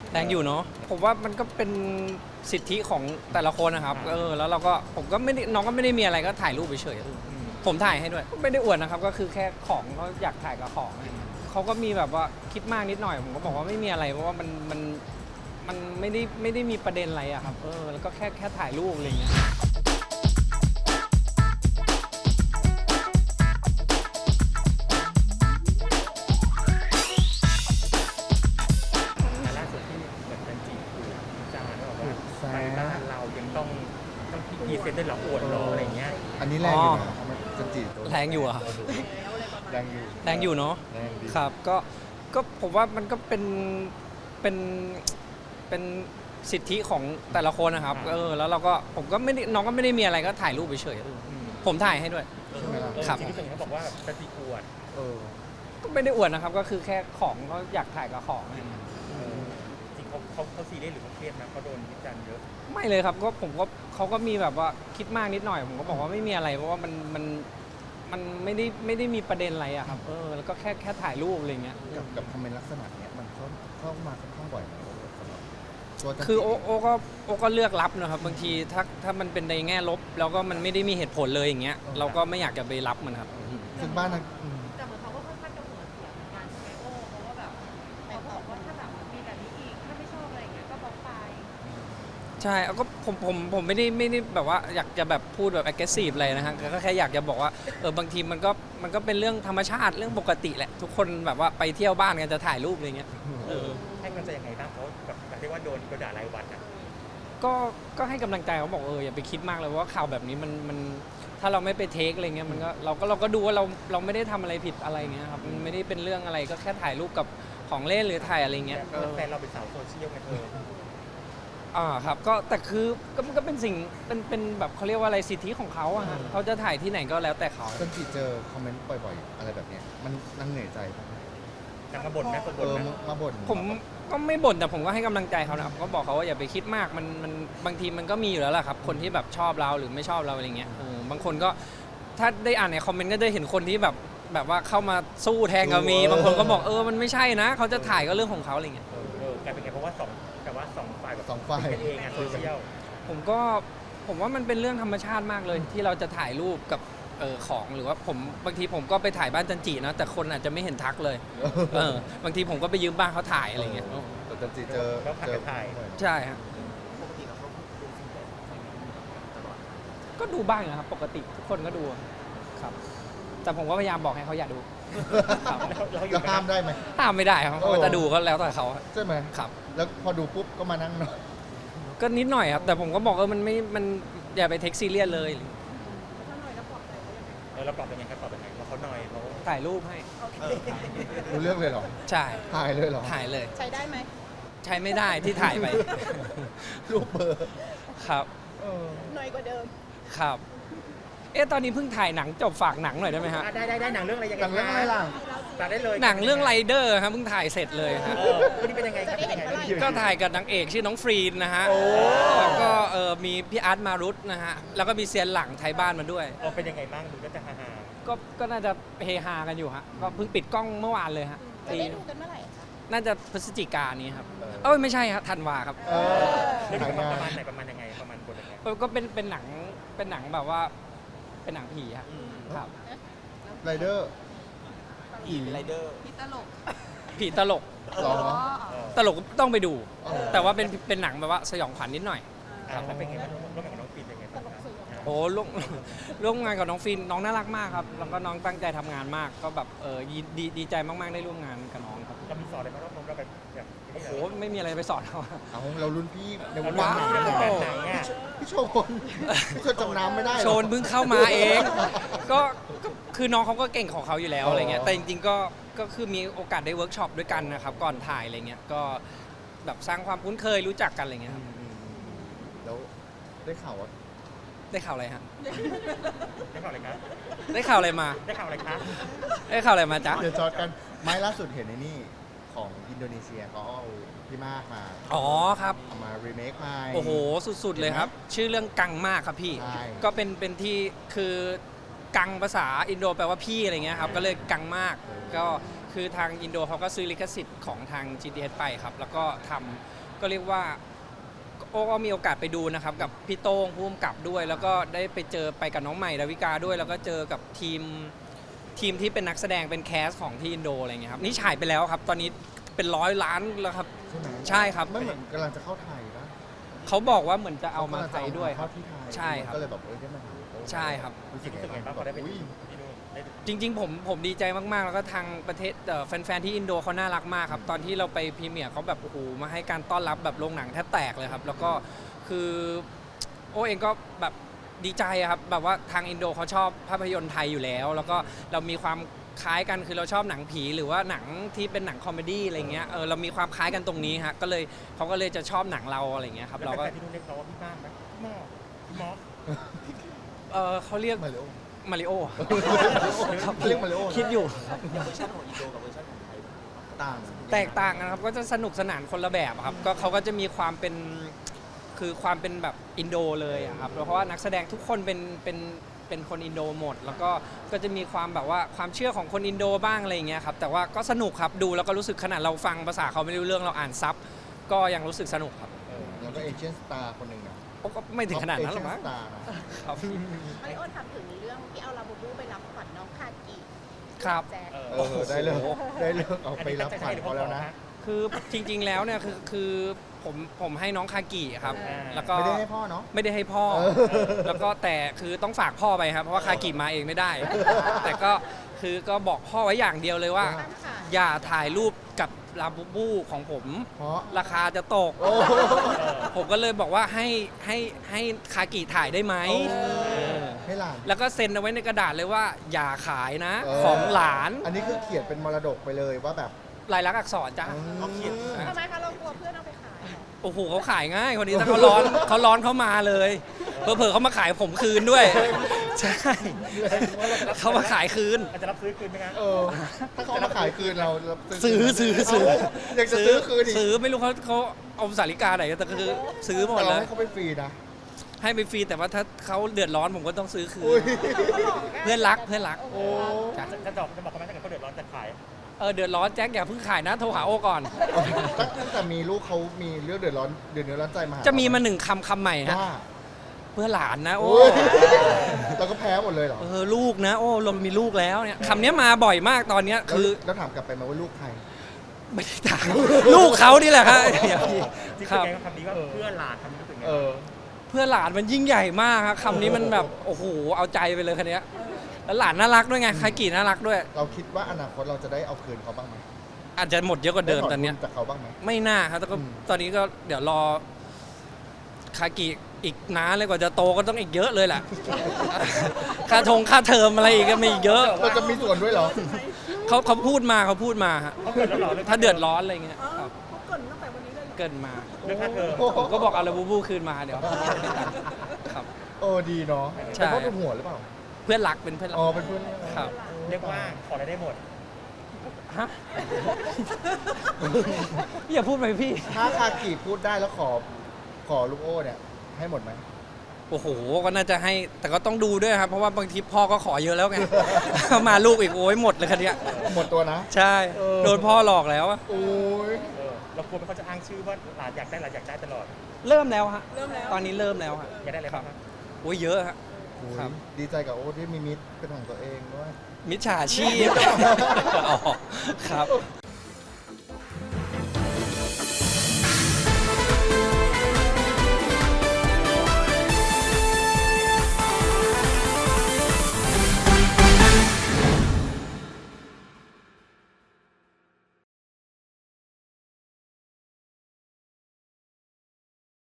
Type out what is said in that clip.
แรงอยู่เนาะผมว่ามันก็เป็นสิทธิของแต่ละคนนะครับแล้วเราก็ผมก็ไม่ได้น้องก็ไม่ได้มีอะไรก็ถ่ายรูปเฉยๆผมถ่ายให้ด้วยไม่ได้อวดนะครับก็คือแค่ของเขาอยากถ่ายกับของเขาก็มีแบบว่าคิดมากนิดหน่อยผมก็บอกว่าไม่มีอะไรเพราะว่ามันไม่ได้มีประเด็นอะไรอะครับแล้วก็แค่ถ่ายรูปอะไรอย่างเงี้ยล่าสุดที่เหมือนจันจีคุยจานว่าแบบว่าไปบ้านเรายังต้องพรีเซนต์ด้วยเหรออวดเหรออะไรเงี้ยอันนี้แรงอยู่นะจันจีแรงอยู่อะแรงอยู่แรงอยู่เนาะแรงดีครับก็ผมว่ามันก็เป็นสิทธิของแต่ละคนนะครับแล้วเราก็ผมก็ไม่ได้น้องก็ไม่ได้มีอะไรก็ถ่ายรูปเฉยๆผมถ่ายให้ด้วยใช่ไหมล่ะครับจริงๆเขาบอกว่าจันจีอวดเออก็ไม่ได้อวดนะครับก็คือแค่ของเขาอยากถ่ายกับของจริงเขาซีเรียสหรือเขาเครียดนะเขาโดนวิจารณ์เยอะไม่เลยครับก็ผมก็เขาก็มีแบบว่าคิดมากนิดหน่อยผมก็บอกว่าไม่มีอะไรเพราะว่ามันไม่ได้มีประเด็นอะไรอะครับแล้วก็แค่ถ่ายรูปอะไรเงี้ยกับคอมเมนต์ลักษณะเนี้ยมันเข้ามาค่อนข้างบ่อยไหมสำหรับตัวจันจิคือโอก็เลือกรับนะครับบางทีถ้ามันเป็นในแง่ลบแล้วก็มันไม่ได้มีเหตุผลเลยอย่างเงี้ยเราก็ไม่อยากจะไปรับมันครับซึ่งบ้านนั้นแต่เหมือนเขาก็ค่อนข้างจะหัวเสียเหมือนกันใช่ไหมโอ้เพราะว่าแบบเขาก็บอกว่าถ้าแบบมีแบบนี้อีกถ้าไม่ชอบอะไรอย่างเงี้ยก็บล็อกไปใช่ก็ผมไม่ได้แบบว่าอยากจะแบบพูดแบบ aggressive อะไรนะฮะก็แค่อยากจะบอกว่าบางทีมันก็เป็นเรื่องธรรมชาติเรื่องปกติแหละทุกคนแบบว่าไปเที่ยวบ้านกันจะถ่ายรูปอะไรเงี้ยให้กำลังใจยังไงบ้างเพราะแบบเรียกว่าโดนด่ารายวันอ่ะก็ให้กำลังใจเขาบอกอย่าไปคิดมากเลยว่าข่าวแบบนี้มันถ้าเราไม่ไปเทคอะไรเงี้ยมันก็เราก็ดูว่าเราไม่ได้ทำอะไรผิดอะไรเงี้ยครับมันไม่ได้เป็นเรื่องอะไรก็แค่ถ่ายรูปกับของเล่นหรือถ่ายอะไรเงี้ยแฟนเราเป็นสาวโซเชียลไงเธอครับก็แต่คือก็เป็นสิ่งเป็นแบบเขาเรียกว่าอะไรสิทธิของเขาอะฮะเขาจะถ่ายที่ไหนก็แล้วแต่เขาจันจิเจอคอมเมนต์บ่อยๆ อะไรแบบเนี้ยมันเหนื่อยใจปะนางมาบ่นไหมคนบ่นไหมมาบ่นผมก็ไม่บ่นแต่ผมก็ให้กำลังใจเขานะครับก็บอกเขาว่าอย่าไปคิดมากมันบางทีมันก็มีอยู่แล้วแหละครับคนที่แบบชอบเราหรือไม่ชอบเราอะไรเงี้ยบางคนก็ถ้าได้อ่านในคอมเมนต์ก็ได้เห็นคนที่แบบว่าเข้ามาสู้แทนก็มีบางคนก็บอกมันไม่ใช่นะเขาจะถ่ายก็เรื่องของเขาอะไรเงี้ยกลายเป็นไงเพราะว่าสองฝ่ายแบบสองฝ่ายเป็นเองอะโซเชียลผมว่ามันเป็นเรื่องธรรมชาติมากเลยที่เราจะถ่ายรูปกับของหรือว่าบางทีผมก็ไปถ่ายบ้านจันจีนะแต่คนอาจจะไม่เห็นทักเลยบางทีผมก็ไปยืมบ้านเขาถ่ายอะไรเงี้ยแต่จันจิเจอก็ผัดกันถ่ายบ่อยใช่ครับก็ดูบ้างนะครับปกติทุกคนก็ดูครับ แต่ผมก็พยายามบอกให้เขาอย่าดู ครับเราอยู่แล้วกัห้ามนได้ไหมห้ามไม่ได้ครับเขาจะดูก็แล้วแต่เขาใช่ไหมครับแล้วพอดูปุ๊บก็มานั่งนอนก็นิดหน่อยครับ แต่ผมก็บอกมันอย่าไปเทคซีเรียสเลยถ้าหน่อยแล้วปลอบใจเขายังไงเราตอบยังไงครับตอบยังไงว่าเขาหน่อยเขาถ่ายรูปให้รู้เรื่องเลยเหรอใช่ถ่ายเลยเหรอถ่ายเลยใช้ได้ไหมใช้ไม่ได้ที่ถ่ายไปรูปเบอร์ครับเออหน่อยกว่าเดิมครับตอนนี้เพิ่งถ่ายหนังจบฝากหนังหน่อยได้ไหมฮะได้หนังเรื่องอะไรยังไงหนังเรื่องอะไรล่ะตัดได้เลยหนังเรื่องไรเดอร์ครับเพิ่งถ่ายเสร็จเลยฮะวันนี้เป็นยังไงครับเป็นยังไงก็ถ่ายกับนางเอกชื่อน้องฟรีนนะฮะโอ้แล้วก็มีพี่อาร์ตมารุตนะฮะ แล้วก็มีเซียนหลังไทยบ้านมาด้วยเป็นยังไงบ้างดูก็จะฮาก็น่าจะเฮฮากันอยู่ฮะ ก็เพิ่งปิดกล้องเมื่อวานเลยฮะจะได้ดูกันเมื่อไหร่คะน่าจะพฤศจิกายนนี้ครับ ไม่ใช่ครับธันวาครับเออเรื่องถ่ายประงานมาณไหนประมาณยังไงประมาณบทยังไงก็เป็นหนังแบบว่า เป็นหนังผีครับครับไรเดอร์ผีไรเดอร์พี่ตลกผีตลกหรอตลกต้องไปดูเออแต่ว่าเป็นหนังแบบว่าสยองขวัญนิดหน่อยแล้วเป็นไงบ้างร่วมงานกับน้องปีนยังไงบ้างครับโอ้ร่วมงานกับน้องฟินน้องน่ารักมากครับ แล้วก็น้องตั้งใจทำงานมาก ก็แบบดีใจมากๆได้ร่วมงานกับน้องครับเรามีสอนอะไรบ้างเราแบบแบบโอ้โหไม่มีอะไรไปสอนเขาเอาเรารุ่นพี่ในวงว้าการวหนังแบเนี่ยบไหนอ่ะพี่โชนพี่โชนจำน้ำไม่ได้เหรอโชนเพิ่งเข้ามาเอง ก็คือน้องเขาก็เก่งของเขาอยู่แล้วอะไรเงี้ยอ๋อแต่จริงๆก็คือมีโอกาสได้เวิร์กช็อปด้วยกันนะครับ ก่อนถ่ายอะไรเงี้ย ก็แบบสร้างความคุ้นเคยรู้จักกันอะไรเงี้ยครับแล้วได้ข่าวว่าได้ข่าวอะไรฮะได้ข่าวอะไรครับได้ข่าวอะไรมาได้ข่าวอะไรครับได้ข่าวอะไรมาจ๊ะเดี๋ยวจอดกันไม้ล่าสุดเห็นในนี่ของอินโดนีเซียเขาเอาพี่มากมาอ๋อครับเอามารีเมคใหม่โอ้โห สุดๆเลยครับ ชื่อเรื่องกังมากครับพี่ใช่ก็เป็นที่คือกังภาษาอินโดแปลว่าพี่อะไรเงี้ยครับ ก็เลยกังมาก ก็คือทางอินโดเขาก็ซื้อลิขสิทธิ์ของทาง GTH ไปครับ แล้วก็ทก็เรียกว่าโอ้ก็มีโอกาสไปดูนะครับกับพี่โต้งผู้กำกับด้วย แล้วก็ได้ไปเจอไปกับน้องใหม่ดาวิกาด้วย แล้วก็เจอกับทีมที่เป็นนักแสดงเป็นแคสของที่อินโดอะไรเงี้ยครับนี่ฉายไปแล้วครับตอนนี้เป็น100 ล้านแล้วครับใช่ไหมใช่ครับไม่เหมือนกำลังจะเข้าไทยปะเขาบอกว่าเหมือนจะเอามาไทยด้วยคเข้ารับที่ไทยใช่ครับก็เลยแบบได้มาหาโอ้ใช่ครับรู้สึกรู้สึกไงบ้างพอได้ไปอุ้ยที่นู่นได้จริงๆผมดีใจมากๆ แล้วก็ทางประเทศแฟนๆที่อินโดเขาน่ารักมากครับตอนที่เราไปพรีเมียร์เขาแบบโอ้โหมาให้การต้อนรับแบบโรงหนังแทบแตกเลยครับแล้วก็คือโอ้เองก็แบบดีใจอะครับแบบว่าทางอินโดเขาชอบภาพยนตร์ไทยอยู่แล้ว แล้วก็เรามีความคล้ายกันคือเราชอบหนังผีหรือว่าหนังที่เป็นหนังคอมเมดี้อะไรเงี้ยเรามีความคล้ายกันตรงนี้ฮะก็เลยเขาก็เลยจะชอบหนังเราอะไรเงี้ยครับแล้วเราก็แฟนๆที่นู่นเรียกเราว่าพี่บ้านไหมพี่หม้อพี่มอสเขาเรียกมาริโอมาริโอครับเรียกมาริโอคิดอยู่ต่างแตกต่างกันครับก็จะสนุกสนานคนละแบบอะครับก็เขาก็จะมีความเป็นคือความเป็นแบบอินโดเลยอะครับเพราะว่านักแสดงทุกคนเป็นคนอินโดหมด แล้วก็จะมีความแบบว่าความเชื่อของคนอินโดบ้างอะไรอย่างเงี้ยครับแต่ว่าก็สนุกครับดูแล้วก็รู้สึกขนาดเราฟังภาษาเขาไม่รู้เรื่องเราอ่านซับก็ยังรู้สึกสนุกครับแล้วก็เอเชียนสตาร์คนหนึ่งนะก็ไม่ถึงขนาดนั้นหรอกมั้งเชียนสตาร์นะครับมาริโอถามถึงเรื่องที่เอาลาบูบูไปรับขวัญน้องคากิครับแจ็คเออได้เลิกได้เลิกเอาไปรับขวัญเขาแล้วนะคือจริงๆแล้วเนี่ยคือผมให้น้องคากิครับแล้วก็ไม่ได้ให้พ่อเนาะไม่ได้ให้พ่อเออแล้วก็แต่คือต้องฝากพ่อไปครับ เพราะว่าคากิมาเองไม่ได้ แต่ก็คือก็บอกพ่อไว้อย่างเดียวเลยว่าตั้งค่ะอย่าถ่ายรูปกับลาบูบูของผมเพราะราคาจะตกโอ้ผมก็เลยบอกว่าให้คากิถ่ายได้ไหมเออให้หลานแล้วก็เซ็นเอาไว้ในกระดาษเลยว่า อย่าขายนะเออของหลานอันนี้คือเขียนเป็นมรดกไปเลยว่าแบบลายลักษณ์อักษรจ้ะเขาเขียนทำไมคะเรากลัวเพื่อนเอาไปขายเหรอโอ้โหเขาขายง่ายคนนี้ถ้าเขาร้อนเขามาเลยเผลอๆเขามาขายผมคืนด้วย ใช่เขามาขายคืนอาจจะรับซื้อคืนไหมครับถ้าเขามาขายคืนเราซื้ออยากจะซื้อคืนอีกซื้อไม่รู้เขาเอาสาริกาไหนแต่ก็คือซื้อหมแต่ดเราแล้วให้เขาไปฟรีนะให้ไปฟรีแต่ว่าถ้าเขาเดือดร้อนผมก็ต้องซื้อคือุ้ยนเพื่อนรักโอ้จ้ะจะบอกเขาไหมถ้าเกิดเขาเดือดร้อนจะขายเดือดร้อนแจ็คอย่าเพิ่งขายนะโทรหาโอก่อนตั้งแต่มีลูกเขามีเรื่องเดือดร้อนเดือดเนื้อร้อนใจมาหจะมีมาคำใหม่ฮะว่าเพื่อหลานนะโอ้โอ้ยเราก็แพ้หมดเลยเหรอลูกนะโอ้เรามีลูกแล้วเนี่ยคำนี้มาบ่อยมากตอนเนี้ยคือแล้วถามกลับไปไหมาว่าลูกใครไม่ได้ถามลูกเขานี่แหละครับที่ครับแกก็คำนี้ว่าเพื่อนหลานคำนี้รู้สึกไงเออเพื่อหลานมันยิ่งใหญ่มากครับคำนี้มันแบบโอ้โหเอาใจไปเลยคันนี้ยแล้วหลานน่ารักด้วยไงคากิน่ารักด้วยเราคิดว่าอนาคตเราจะได้เอาคืนเขาบ้างไหมอาจจะหมดเยอะกว่าเดิมตอนเนี้ยได้ถทุจากเขาบ้างไหมไม่น่าครับแต่ก็อืมตอนนี้ก็เดี๋ยวรอคากิอีกนานเลยกว่าจะโตก็ต้องอีกเยอะเลยแหละ ค่าเทอมอะไรอีกก็มีอีกเยอะเราจะมีส่วนด้วยเหรอเขาพูดมาฮะเขาเกิดแล้วเหรอถ้าเดือดร้อนอะไรเงี้ยครับเขาเกรินตั้งแต่วันนี้เลยเกินมาเรื่องค่าเทอมผมก็บอกเอาลาบูบูคืนมาเดี๋ยวครับโอ้ดีเนาะใช่เป็นเพราะเป็นหัวหรือเปล่าเพื่อนรักเป็นเพื่อนรักอ๋อเป็นเพื่อนครับเรียกว่าขออะไรได้หมดฮะ อย่าพูดไปพี่ถ้าคากิพูดได้แล้วขอลูกโอ้เนี่ยให้หมดไหมโอ้โห ก็น่าจะให้ แต่ก็ต้องดูด้วยครับ เพราะว่าบางทีพ่อก็ขอเยอะแล้วไง มาลูกอีกโอ้ยหมดเลยคันเนี้ยหมดตัวนะใช่เออโดนพ่อหลอกแล้วอะโอ้ยเรากลัวไหมเขาจะอ้างชื่อว่าหลานอยากได้ตลอดเริ่มแล้วฮะเริ่มแล้วตอนนี้เริ่มแล้วฮะอยากได้อะไรบ้างครับโอ้ยเยอะฮะโอ้ยครับดีใจกับโอ้ที่มีมิตรเป็นของตัวเองด้วยมิจฉาชีพ อ๋อครับ